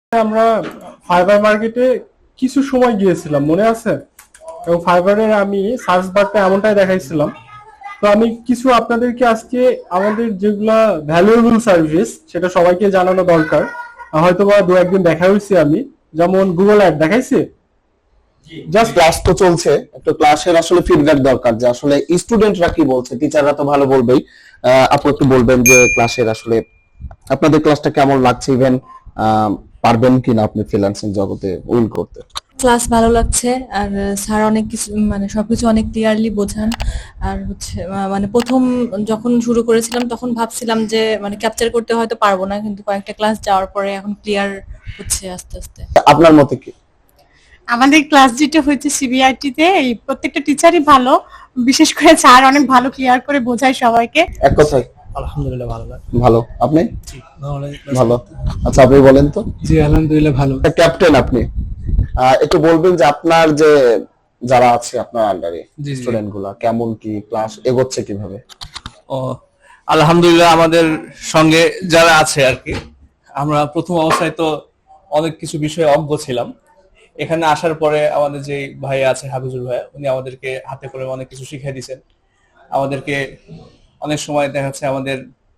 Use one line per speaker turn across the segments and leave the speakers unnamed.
আমরা ফাইবার মার্কেটে কিছু সময় গিয়েছিলাম, মনে আছে? এবং ফাইবারের আমি সার্চ বারটা এমনটাই দেখাইছিলাম। তো আমি কিছু আপনাদেরকে আজকে আমাদের যেগুলা ভ্যালুয়েবল সার্ভিস সেটা সবাইকে জানানো দরকার। হয়তোবা দু একদিন দেখা হয়েছে আমি, যেমন গুগল অ্যাড দেখাইছি।
জাস্ট ক্লাস তো চলছে, একটু ক্লাসের আসলে ফিডব্যাক দরকার যে আসলে স্টুডেন্টরা কি বলছে, টিচাররা তো ভালো বলবেই। আপু একটু বলবেন যে ক্লাসের আসলে আপনাদের ক্লাসটা কেমন লাগছে, ইভেন পারবেন কিনা আপনি ফ্রিল্যান্সিং জগতে উইল করতে?
ক্লাস ভালো লাগছে, আর স্যার অনেক কিছু মানে সবকিছু অনেক ক্লিয়ারলি বোঝান। আর হচ্ছে মানে প্রথম যখন শুরু করেছিলাম তখন ভাবছিলাম যে মানে ক্যাপচার করতে হয়তো পারবো না, কিন্তু কয়েকটা ক্লাস যাওয়ার পরে এখন ক্লিয়ার হচ্ছে আস্তে আস্তে।
আপনার মতে কি?
আমাদের ক্লাস যেটা হচ্ছে সিবিআইটি তে এই প্রত্যেকটা টিচারই ভালো, বিশেষ করে স্যার অনেক ভালো ক্লিয়ার করে বোঝায় সবাইকে।
এক কথায়
আলহামদুলিল্লাহ ভালো লাগে।
ভালো। আপনি? ভালো। আচ্ছা আপনি বলেন তো।
জি আলহামদুলিল্লাহ ভালো।
ক্যাপ্টেন আপনি একটু বলবেন যে আপনার যে যারা আছে আপনার আন্ডারে
জি, জি।
স্টুডেন্ট গুলা কেমন কি ক্লাস এগোচ্ছে কিভাবে?
ও আলহামদুলিল্লাহ, আমাদের সঙ্গে যারা আছে আর কি, আমরা প্রথম অবস্থায় তো অনেক কিছু বিষয়ে অজ্ঞ ছিলাম। এখানে আসার পরে আমাদের যে ভাই আছে হাফিজুল ভাই, উনি আমাদেরকে হাতে করে অনেক কিছু শিখিয়ে দিয়েছেন। আমাদেরকে অনেক সময় দেখা যাচ্ছে আমাদের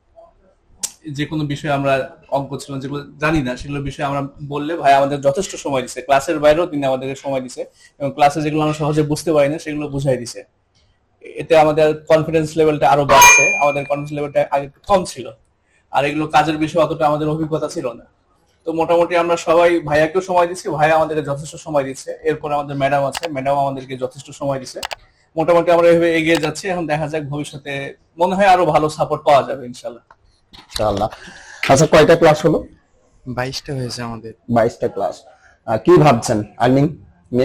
যে কোনো বিষয়ে আমরা অজ্ঞ ছিলাম, যেগুলো জানি না সেগুলো বিষয়ে আমরা বললে ভাই আমাদের যথেষ্ট সময় দিছে। ক্লাসের বাইরেও তিনি আমাদেরকে সময় দিছে এবং ক্লাসে যেগুলো আমরা সহজে বুঝতে পারি না সেগুলো বুঝাই দিছে। এতে আমাদের কনফিডেন্স লেভেলটা আরো বাড়ছে। আমাদের কনফিডেন্স লেভেলটা আগে একটু কম ছিল, আর এগুলো কাজের বিষয়ে অতটা আমাদের অভিজ্ঞতা ছিল না। তো মোটামুটি আমরা সবাই ভাইয়াকেও সময় দিচ্ছি, ভাইয়া আমাদেরকে যথেষ্ট সময় দিচ্ছে। এরপর আমাদের ম্যাডাম আছে, ম্যাডাম আমাদেরকে যথেষ্ট সময় দিচ্ছে। মোটামুটি আমরা এভাবে এগিয়ে যাচ্ছি। এখন দেখা যাক ভবিষ্যতে মনে হয় আরো ভালো সাপোর্ট পাওয়া যাবে ইনশাল্লাহ।
ইনশাআল্লাহ। আচ্ছা কয়টা ক্লাস হলো?
22টা হয়েছে আমাদের।
22টা ক্লাস। কি ভাবছেন আর্নিং নিয়ে?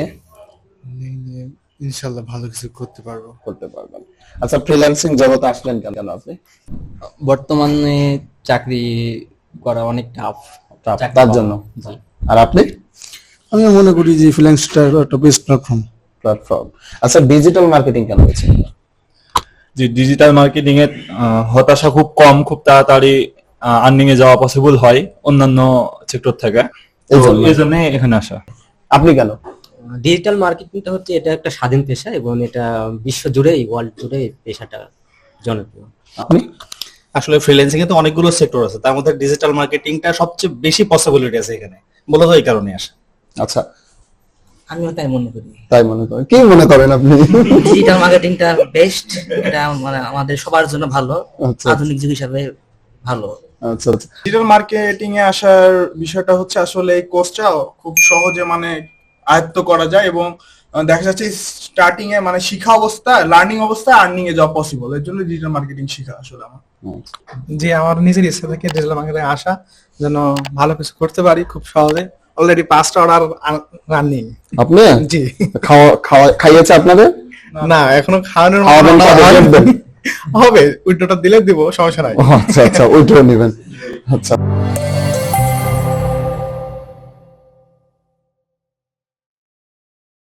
ইনশাআল্লাহ ভালো কিছু করতে পারবো।
করতে পারবেন। আচ্ছা ফ্রিল্যান্সিং জগতে আসলেন কেন আপনি?
বর্তমানে চাকরি করা অনেক টাফ,
তার জন্য। আর আপনি?
আমি মনে করি যে ফ্রিল্যান্সটা একটা বেস্ট
প্ল্যাটফর্ম। আচ্ছা ডিজিটাল মার্কেটিং কেন হয়েছে?
যে ডিজিটাল মার্কেটিং এর হতাশা খুব কম, খুব তাড়াতাড়ি আর্নিং এ যাওয়া পসিবল হয় অন্যান্য সেক্টর থেকে, এই জন্য এখানে আসা।
আপনি কেন?
ডিজিটাল মার্কেটিংটা হচ্ছে এটা একটা স্বাধীন পেশা এবং এটা বিশ্ব জুড়েই, ওয়ার্ল্ড জুড়ে পেশাটা জনপ্রিয়।
আপনি?
আসলে ফ্রিল্যান্সিং এ তো অনেকগুলো সেক্টর আছে, তার মধ্যে ডিজিটাল মার্কেটিংটা সবচেয়ে বেশি পসিবিলিটি আছে এখানে, মূলত এই কারণে আসা।
আচ্ছা
আমিও তাই মনে করি।
তাই মনে করেন? কি মনে করেন আপনি?
ডিজিটাল মার্কেটিংটা বেস্ট, এটা মানে আমাদের সবার জন্য ভালো,
আচ্ছা।
আধুনিক যুগ হিসাবে ভালো।
আচ্ছা আচ্ছা।
ডিজিটাল মার্কেটিং এ আসার বিষয়টা হচ্ছে আসলে এই কোর্সটা খুব সহজে মানে আয়ত্ত করা যায় এবং দেখা যাচ্ছে স্টার্টিং এ মানে শিখা অবস্থা, লার্নিং অবস্থা আর্নিং এ যাওয়া পসিবল। এর জন্য ডিজিটাল মার্কেটিং শিখা আসলে আমার।
যে আমার নিজের ইচ্ছা থেকে ডিজিটাল মার্কেটিং আসা, যেন ভালো কিছু করতে পারি খুব সহজে। অলরেডি 5টা অর্ডার রানিং।
আপনি?
জি।
খাইয়েছে আপনাদের?
না এখনো খাওয়ানোর
খাওয়াবেন কবে?
হবে, উইন্ডোটা দিলে দিব, সমস্যা নাই।
আচ্ছা আচ্ছা ওইটাও নেবেন। আচ্ছা